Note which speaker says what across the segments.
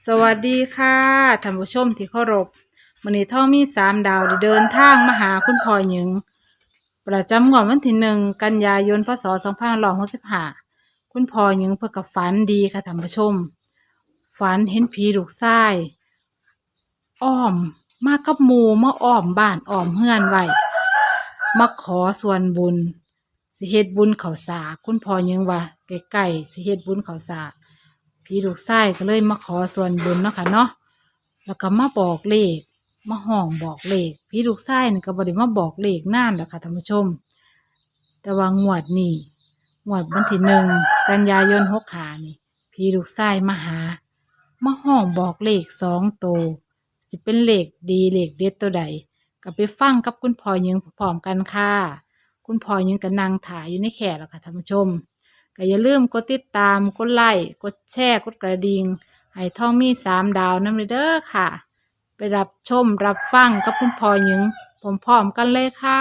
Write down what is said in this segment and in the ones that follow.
Speaker 1: สวัสดีค่ะท่านผู้ชมที่เคารพมื้อนี้ท่องมี3 ดาวได้เดินทางมาหาคุณพ่อหญิงประจำงวดวันที่1 กันยายนพศ2565คุณพ่อหญิงเพิ่นก็ฝันดีค่ะท่านผู้ชมฝันเห็นผีลูกชายอ้อมมากับหมู่มาอ้อมบ้านอ้อมเฮือนไว้มาขอส่วนบุญสิเฮ็ดบุญข้าวสากคุณพ่อหญิงว่าใกล้ๆสิเฮ็ดบุญข้าวสาก พี่ลูกชายก็เลยมาขอส่วนบุญเนาะค่ะเนาะแล้วก็มาบอกเลขมาห้องบอกเลขพี่ลูกชายนี่ก็บ่ได้มาบอกเลขนานแล้วค่ะท่านผู้ชมแต่ว่างวดนี้งวดวันที่1 กันยายน65นี่พี่ลูกชายมาหามาห้องบอกเลข2 ตัวสิเป็นเลขดีเลขเด็ดตัวใดก็ไปฟังกับคุณพ่อหญิงพร้อมกันค่ะคุณพ่อหญิงก็นั่งถ่ายอยู่ในแคร่แล้วค่ะท่านผู้ชม ก็อย่าลืมกดติดตามกดไลค์กดแชร์กดกระดิ่งให้ท่องมี3 ดาวนำเด้อค่ะ ไปรับชมรับฟังกับคุณพ่อหญิงพร้อมๆกันเลยค่ะ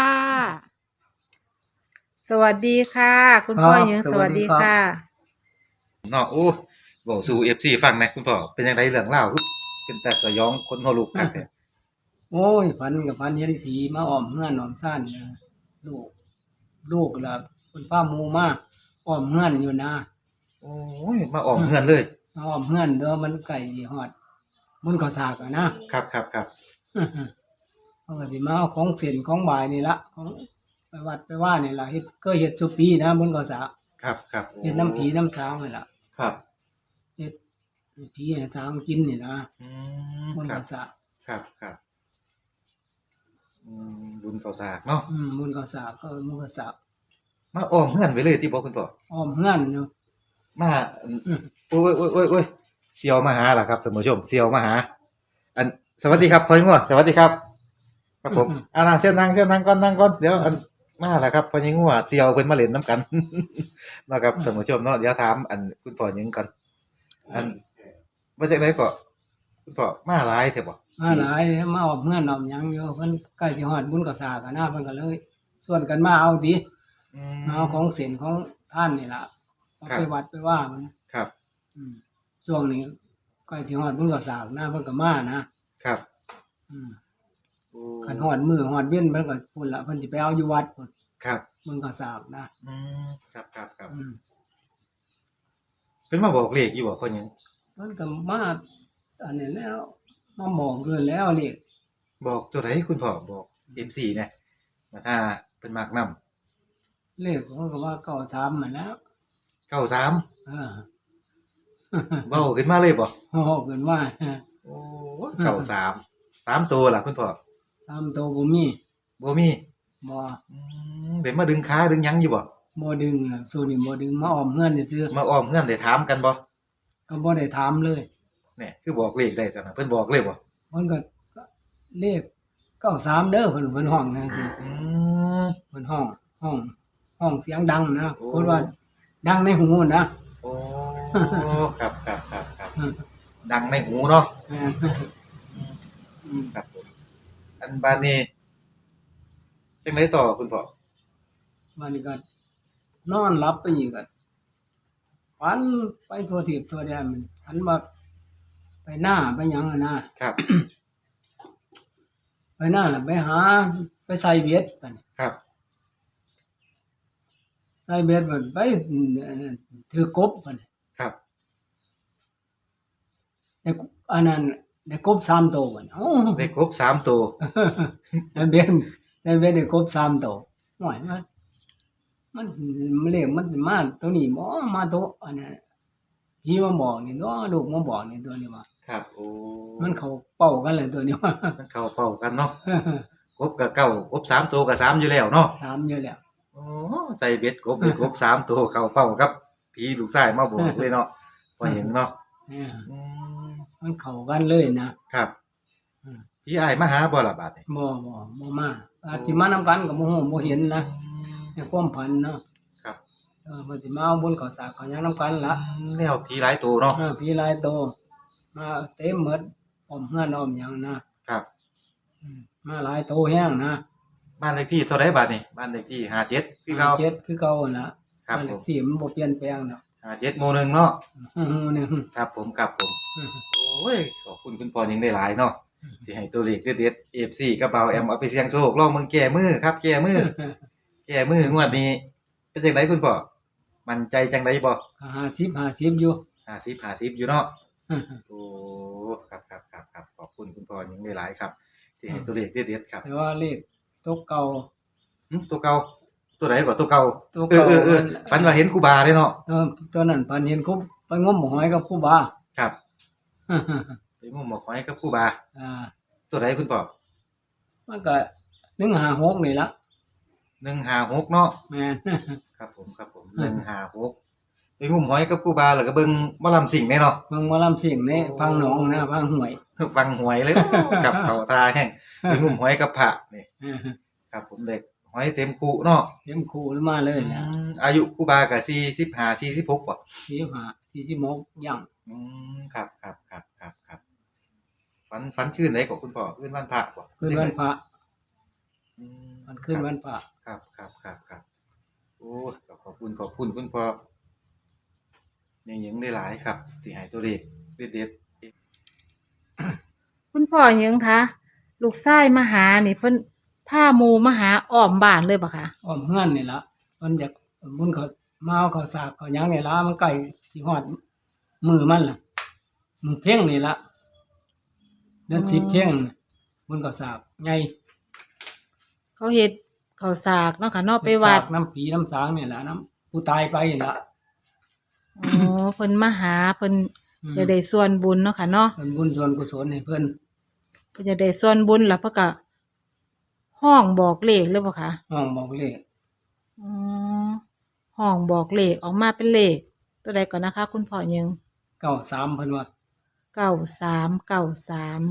Speaker 1: สวัสดีค่ะ คุณพ่อหญิง
Speaker 2: ครับ
Speaker 1: สวัสดีค่ะ
Speaker 3: เนาะโอ้บอกสู่ FC ฟังหนะคุณพ่อเป็นจังไดเรื่องเล่าวคือเป็นแต่สยองคนหัวลุกคักแท้
Speaker 2: โอ้ยฝันกับฝันเห็นผีมาอ้อมเฮือนอ้อมซ่านเนี่ยลูกลูกล่ะคุณป้าหมูมาอ้อมเฮือนอยู่นะ
Speaker 3: โอ้ยมาออกเฮือนเลย
Speaker 2: มาอ้อมเฮือนเด้อมันไก่สิฮอดบุญข้าวสากอะนะครับ เขาก็สิมาเอาของเส้นของบ่ายนี่ละของไปวัดไปว่านี่ล่ะเฮ็ดก็เฮ็ดซุปีนะบุญข้าวสาก
Speaker 3: ครับโอ้
Speaker 2: เฮ็ดน้ำผีน้ำสางนี่ล่ะ
Speaker 3: ครับ
Speaker 2: เฮ็ดให้ผีให้สางกินนี่นะ
Speaker 3: อื
Speaker 2: บุญ
Speaker 3: ครั
Speaker 2: ข้า
Speaker 3: บ
Speaker 2: วสาก
Speaker 3: ครับบุญข้าวสากเนาะ
Speaker 2: บุญข้าวสากก็บุญข้าวสาก
Speaker 3: มาอ้อมเฮือนไว้เลยที่บอกคุณพ่อ
Speaker 2: อ้อมเฮือนอยู่
Speaker 3: มาโอ้ยเสี่ยวมาหาล่ะครับท่านผู้ชมเสี่ยวมาหา อันสวัสดีครับพ่อหญิงงัวสวัสดีครับ ครับผมนั่งเชิญนั่งก่อนเดี๋ยวอันมาแล้วครับพ่อหญิงงัวเสี่ยวเพิ่นมาเล่นน้ำกัน เนาะครับท่านผู้ชมเนาะเดี๋ยวถามอันคุณพ่อหญิงก่อนอันมาจากไหนก็คุณพ่อมาหลายแท้บ่
Speaker 2: มาหลายมาออกเงื่อนออกหยังอยู่เพิ่นใกล้สิฮอดบุญกับสากะนะเพิ่นก็เลยชวนกันมาเอาติ
Speaker 3: อื
Speaker 2: มาเอาของเศีลของท่านนี่ล่ะเอาไปวัดไปว่ามัน
Speaker 3: ครับ
Speaker 2: ช่วงนี้ใกล้สิฮอดบุญกับสากนะเพิ่นก็มานะครับ อืม
Speaker 3: โอ้
Speaker 2: คันฮอดมื้อฮอดเว้นเพิ่นก็พุ่นล่ะเพิ่นสิไปเอาอยู่วัดพุ่น
Speaker 3: ครับ
Speaker 2: บุญกับสากนะ
Speaker 3: ครับ
Speaker 2: อืม
Speaker 3: เป็นมาบอกเลขอยู่บ่พ่อหญิง
Speaker 2: เพิ่นก็มาอันนี้แล้วมาบอกเกินแล้วนี่
Speaker 3: บอกตัวไหนคุณพ่อบอก MC เนี่ยมาถ้าเพิ่นมักนำ
Speaker 2: เลขเพิ่นก็ว่า93นั่นแหล้ว
Speaker 3: 93
Speaker 2: เออ
Speaker 3: เว้าขึ้นมาเลยบ่
Speaker 2: โอ้เพิ่นว่า
Speaker 3: โอ้93 3ตัวล่ะคุณพ่อ
Speaker 2: 3ตัวบ่มี
Speaker 3: บ่มี
Speaker 2: บ่
Speaker 3: เดี๋ยวมาดึงขาดึงหยังอยู่บ่
Speaker 2: บ่ดึงน่ะสู้นี่บ่ดึงมาอ้อมเฮือนซื่อ
Speaker 3: มาอ้อมเฮือนได้ถามกันบ่
Speaker 2: ๆก็บ่ได้ถามเลย
Speaker 3: เนี่ยคือบอกเลขได้ซั่นน่ะเพิ่นบอกเลยบ่
Speaker 2: เพิ่นก็เลข93เด้อเพิ่นห้องจังซี่
Speaker 3: อืม
Speaker 2: เพิ่นห้องเสียงดังนะ
Speaker 3: โอ้
Speaker 2: เพิ่นว่าดังในหูนะ
Speaker 3: โอ้ครับดังในหูเนาะ
Speaker 2: เอออืม
Speaker 3: ครับผมอันบาดนี้จังไดต่อคุณพ่อ
Speaker 2: วันนี้ก็นอนหลับไปอีกก็ฝันไปทั่วทิศทั่วแดนมันฝันว่าไปหน้าไปหยังอะนะครับ ไปหน้าน่ะไปหาไปใส่เบ็ดบัดนี้
Speaker 3: ครับ
Speaker 2: ใส่เบ็ดบัดไปถือกบบัดนี้
Speaker 3: ครับ
Speaker 2: ได้อันนั้นได้กบ3ตัวบัดนี้โอ้
Speaker 3: ได้ครบ3ตัว
Speaker 2: ได้เบ็ดได้กบ3ตัวโอ้ยมันเลขมันมาตัวนี้บ่มาตัวอันนั้นพี่มาบอกนี่เนาะลูกมาบอกนี่ตัวนี้ว่า
Speaker 3: ครับโอ้
Speaker 2: มันเข้าเป้ากันเลยตัวนี้ว่า
Speaker 3: มันเข้าเป้ากันเนาะครบกับเก้าครบ3ตัวกับ3อยู่แล้วเนาะ
Speaker 2: 3อยู่แล้ว
Speaker 3: โอ้ใส่เบ็ดครบได้ครบ3ตัวเข้าเป้าครับผีลูกชายมาบอกเลยเนาะพอเห็นเนาะ
Speaker 2: เออ
Speaker 3: อืม
Speaker 2: มันเข้ากันเลยนะครับ อืม
Speaker 3: พี่อ้ายมาหาบ่ล่ะบาดนี้
Speaker 2: บ่มาอาจสิมานำกันก็บ่ฮู้บ่เห็นนะในความฝันเนาะ
Speaker 3: ครับ
Speaker 2: มันสิมาเอาบุญข้าวสากข้าวหยังนำกันล่ะ
Speaker 3: แนวผีหลายตัวเนาะ
Speaker 2: พี่หลายโตมาเต็มหมดอ้อมเฮือนอ้อมหยังนะครับ มาหลายโตแฮงนะ
Speaker 3: บ้านเลขที่เท่าไรบาทนี่บ้านเลขที่57คือเก่า
Speaker 2: 7คือเก่าน่ะ
Speaker 3: ครับ
Speaker 2: บ้านเล
Speaker 3: ผ
Speaker 2: ข
Speaker 3: ม
Speaker 2: ที่มันบ่เปลี่ยนแปลงดอก
Speaker 3: 57หมู่หนึ่งเนาะ
Speaker 2: หมู่หนึ่ง
Speaker 3: ครับผมครับผมโอ้ยขอบคุณคุณพ่อยังได้หลายเนาะที่ให้ตัวเลขเด็ดๆ FC กับเบาแอมเอาไปเสี่ยงโชคลองเบิ่งแก้มือครับแก้มือ แก้มืองวดนี้เป็นจังไดคุณพ่อมั่นใจจังไดบ่
Speaker 2: 50อยู่
Speaker 3: 50อยู่เนาะโอ้ครับขอบคุณคุณพ่อยังได้หลายครับที่ให้ตัวเลขเด็ดๆครับ
Speaker 2: แต่ว่าเลขตัวเก่า
Speaker 3: ตัวเก่าตัวไหนก่อนตัวเก่า
Speaker 2: ตัวเก่า
Speaker 3: ฝันว่าเห็นครูบาเลยเนาะ
Speaker 2: ตัวนั้นพันเห็นคุบไปงมหอยกับครูบา
Speaker 3: ครับไปงมหมอกหอยกับครูบา
Speaker 2: อ่า
Speaker 3: ตัวไหนคุณพ่อ
Speaker 2: มันก็156นี่ละ
Speaker 3: 156เนาะ
Speaker 2: แม่น
Speaker 3: ครับผม156ไปงมหอยกับครูบาแล้วก็เบิ่งหมอลำสิ่งแน่เนาะ
Speaker 2: เบิ่งหมอลำสิ่งนี่ฟังหนองนะฟังห้วย
Speaker 3: ฟังหวยเลยกับเขาตาแห้งไปงมหอยกับพระนี่ครับผมเด็กหอยเต็มคูเนาะ
Speaker 2: เต็มคู่หรือมาเลยนะ
Speaker 3: อายุครูบาก็45 46บ่
Speaker 2: 45 46ย่าง
Speaker 3: ครับฝันคืนไหนของคุณพ่อคืนวันพระบ่
Speaker 2: คืนวันพระ
Speaker 3: อืม
Speaker 2: มันคืนวันพระ
Speaker 3: ครับโอ้ก็ขอบคุณคุณพ่อยังได้หลายครับที่ให้ตัวเลขเด็ด
Speaker 1: คุณพ่อหยังคะลูกชายมาหานี่เพิ่นพาหมู่มาหาอ้อมบ้านเลยบ่คะ
Speaker 2: อ้อมเฮือนนี่ล่ะมันอยากบุญเขามาเอาเขาสากเขาหยังนี่ล่ะมันใกล้สิฮอดมือมันล่ะมือเพ่งนี่ล่ะเดือน10เพ่งบุญเขาสากใหญ่
Speaker 1: เขาเฮ็ดข้าวสากเนาะค่ะเนาะไปวัด
Speaker 2: น้ำผีน้ำสางนี่ล่ะน้ำผู้ตายไปนี่ล่ะ
Speaker 1: อ๋อเพิ่นมาหาเพิ่นจะได้ส่วนบุญเนาะค่ะเนาะ
Speaker 2: เพิ่นบุญส่วนกุศลให้เพิ่น
Speaker 1: เพิ่นจะได้ส่วนบุญแล้วเพิ่นก็ห้องบอกเลขเลยบ่คะ
Speaker 2: ห้องบอกเลข
Speaker 1: อ๋อห้องบอกเลขออกมาเป็นเลขตัวใดก่อนนะคะ คุณพ่อหยัง
Speaker 2: 93เพิ่นว่า
Speaker 1: 93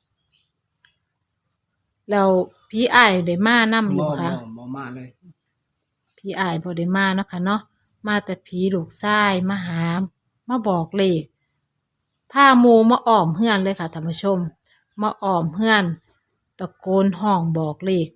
Speaker 1: แล้วพี่อ้ายได้มานำอยู่บ่คะ
Speaker 2: บ่มาเลย
Speaker 1: พี่อ้ายบ่ได้มาเนาะค่ะเนาะมาแต่ผีลูกชายมาหามาบอกเลขพาหมู่มาอ้อมเฮือนเลยค่ะท่านผู้ชมมาอ้อมเฮือนตะโกนห้องบอกเลข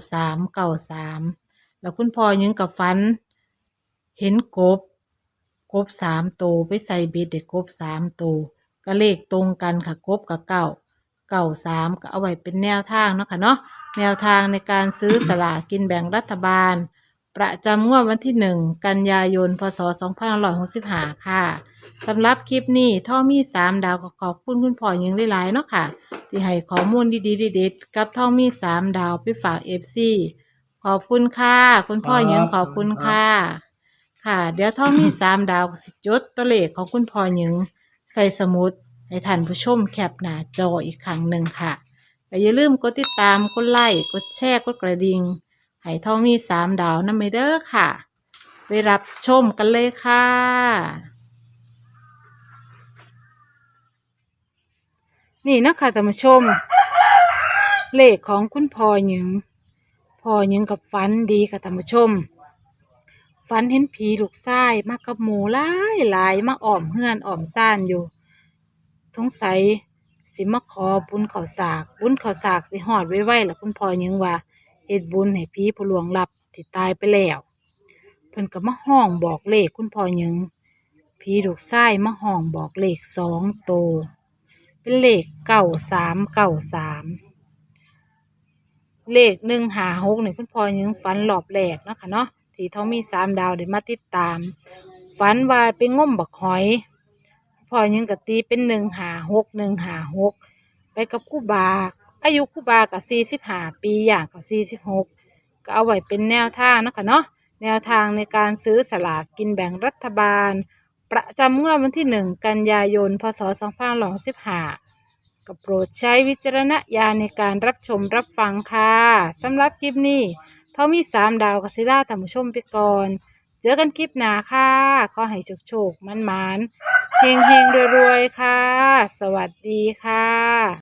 Speaker 1: 93แล้วคุณพ่อยังกับฝัน เห็นกบ3ตัวไปใส่เบ็ดได้กบ3ตัวก็เลขตรงกันค่ะกบกับ93ก็เอาไว้เป็นแนวทางเนาะค่ะเนาะแนวทางในการซื้อสลากกินแบ่งรัฐบาล ประจำงวดวันที่1 กันยายน พศ 2565 ค่ะสำหรับคลิปนี้ท่อมี3ดาวก็ขอบคุณคุณพ่อยังหลายๆเนาะค่ะ ที่ให้ข้อมูลดีๆเด็ดๆกับท่อมี3ดาวไปฝาก FC ขอบคุณค่ะ คุณพ่อยังขอบคุณค่ะ ค่ะ เดี๋ยวท่อมี3ดาวสิจดตัวเลขของคุณพ่อยังใส่สมุดให้ท่านผู้ชมแคปหน้าจออีกครั้งหนึ่งค่ะแต่อย่าลืมกดติดตามกดไลค์กดแชร์กดกระดิ่งให้ท่องมี3ดาวนำไปเด้อค่ะ ไปรับชมกันเลยค่ะ นี่นะคะท่านผู้ชม เลขของคุณพ่อหยังกับฝันดีค่ะท่านผู้ชม ฝันเห็นผีลูกชายมากับหมู่หลายมาอ้อมเฮือนอ้อมซ่านอยู่ สงสัยสิมาขอบุญข้าวสากสิฮอดไวๆล่ะคุณพ่อหยังว่าเฮ็ดบุญให้ผีผู้ล่วงลับที่ตายไปแล้วเพิ่นก็มาห้องบอกเลขคุณพ่อหยังผีลูกชายมาห้องบอกเลข2 ตัวเป็นเลข93เลข156นี่คุณพ่อหยังฝันรอบแรกเนาะค่ะเนาะที่ท้องมี3ดาวได้มาติดตามฝันว่าไปงมบักหอยพ่อหยังก็ตีเป็น156ไปกับครูบาอายุครูบาก็45 ปีอย่างก็46ก็เอาไว้เป็นแนวทางเนาะค่ะเนาะแนวทางในการซื้อสลากกินแบ่งรัฐบาลประจำงวดวันที่1 กันยายน พศ 2565ก็โปรดใช้วิจารณญาณในการรับชมรับฟังค่ะสำหรับคลิปนี้ท่อมี3ดาวกัสิล่าท่านผู้ชมไปก่อนเจอกันคลิปหน้าค่ะขอให้โชคๆมันๆเฮงๆรวยๆค่ะสวัสดีค่ะ